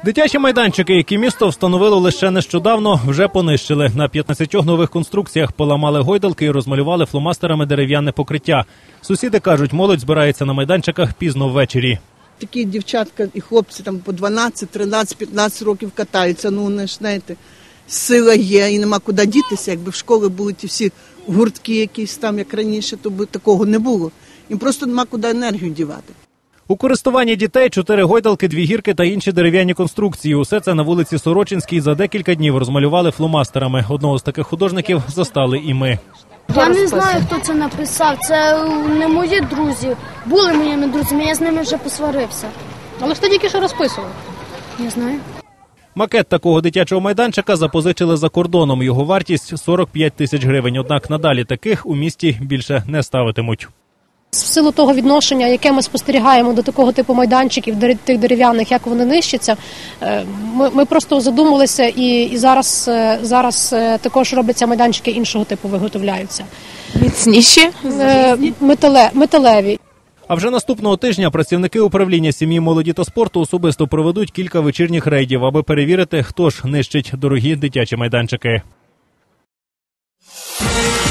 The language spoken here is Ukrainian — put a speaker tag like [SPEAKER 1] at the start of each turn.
[SPEAKER 1] Дитячі майданчики, які місто встановило лише нещодавно, вже понищили. На 15 нових конструкціях поламали гойдалки і розмалювали фломастерами дерев'яне покриття. Сусіди кажуть, молодь збирається на майданчиках пізно ввечері.
[SPEAKER 2] Такі дівчатка і хлопці там по 12, 13, 15 років катаються. Ну, вони ж, знаєте, сила є і нема куди дітися. Якби в школі були ті всі гуртки якісь там, як раніше, то б такого не було. Їм просто нема куди енергію дівати.
[SPEAKER 1] У користуванні дітей 4 гойдалки, 2 гірки та інші дерев'яні конструкції. Усе це на вулиці Сорочинській за декілька днів розмалювали фломастерами. Одного з таких художників застали і ми.
[SPEAKER 3] Я не знаю, хто це написав. Це не мої друзі. Були моїми друзями, я з ними вже посварився.
[SPEAKER 4] Але ж ти тільки що розписував.
[SPEAKER 3] Не знаю.
[SPEAKER 1] Макет такого дитячого майданчика запозичили за кордоном. Його вартість – 45 тисяч гривень. Однак надалі таких у місті більше не ставитимуть.
[SPEAKER 4] В силу того відношення, яке ми спостерігаємо до такого типу майданчиків, тих дерев'яних, як вони нищаться, ми просто задумалися і зараз також робляться майданчики іншого типу, виготовляються.
[SPEAKER 5] Міцніші?
[SPEAKER 4] Металеві.
[SPEAKER 1] А вже наступного тижня працівники управління сім'ї, молоді та спорту особисто проведуть кілька вечірніх рейдів, аби перевірити, хто ж нищить дорогі дитячі майданчики.